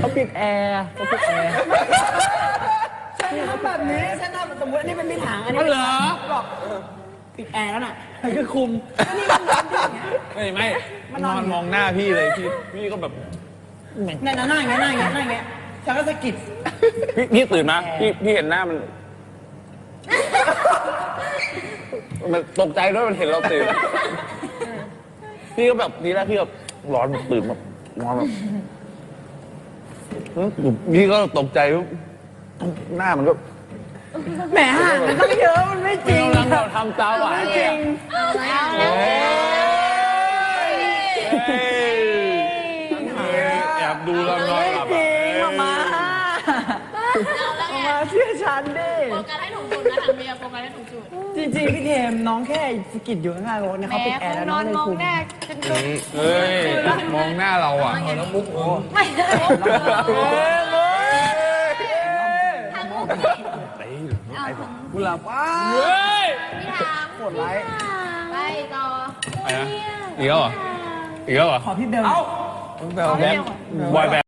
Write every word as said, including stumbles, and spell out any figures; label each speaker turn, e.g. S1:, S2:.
S1: ปิดแอร์เขาปิดแอร์
S2: ฉันทำแบบนี้ฉันทำสมมติอันนี้เป็นมีถังอันนี้
S1: เหรอ
S2: บอกปิดแอร์แล้วน่ะ
S1: มันก็คุม
S2: ก็นี่มันร้อนด้วยอย่างเงี้ย
S3: ไม่ไม่นอนมองหน้าพี่เลยพี่พี่ก็แบบ
S2: เนี่ยหน้าอย่างเงี้ยหน้าอย่างเงี้ยหน้าอย่างเงี้ยฉันก็สะกิด
S3: พี่พี่ตื่นมาพี่พี่เห็นหน้ามันมันตกใจด้วยมันเห็นเราตื่นพี่ก็แบบทีแรกพี่แบบร้อนแบบตื่นแบบนอนแบบพี่ก็ตกใจหน้ามันก็
S2: แหมห่างมันต้องเยอะมันไม่จริง
S3: กำลังเราทำตาหวาน
S2: ไม่
S3: เล
S2: จ
S3: ย
S2: ริง
S3: เฮ้ยแอบดูเรานอน
S2: ไม่
S3: หลับ
S2: จริงมามามาเชื่อฉันดิ
S4: โฟกัสให้ถูกจุดนะทางเมียโฟกัสให้ถูกจุด
S2: จริงๆพี่เทมน้องแค่สะกิดอยู่ข้างๆรถเนี่ย
S4: แหม
S2: เขาปิดแอร์แล้ว
S4: น
S2: น้อ
S4: อง น
S2: เลย
S4: มอง
S2: คุม
S4: หน้าฉันก็
S3: เฮ้ยมองหน้าเราอ่ะ
S1: แล้วมุกโอ้
S4: ไม่ได้ทางมุกเอาถึง
S1: กุหลาบว้า
S3: เฮ้ย
S4: พี่ทาง
S1: ปวดไร
S4: ไปต่อ
S3: อะไรนะอีกแล้วเหรออีกแล้วเหรอ
S2: ขอพี่เบล
S1: เอ้า
S3: แบงค์บอยแบนด์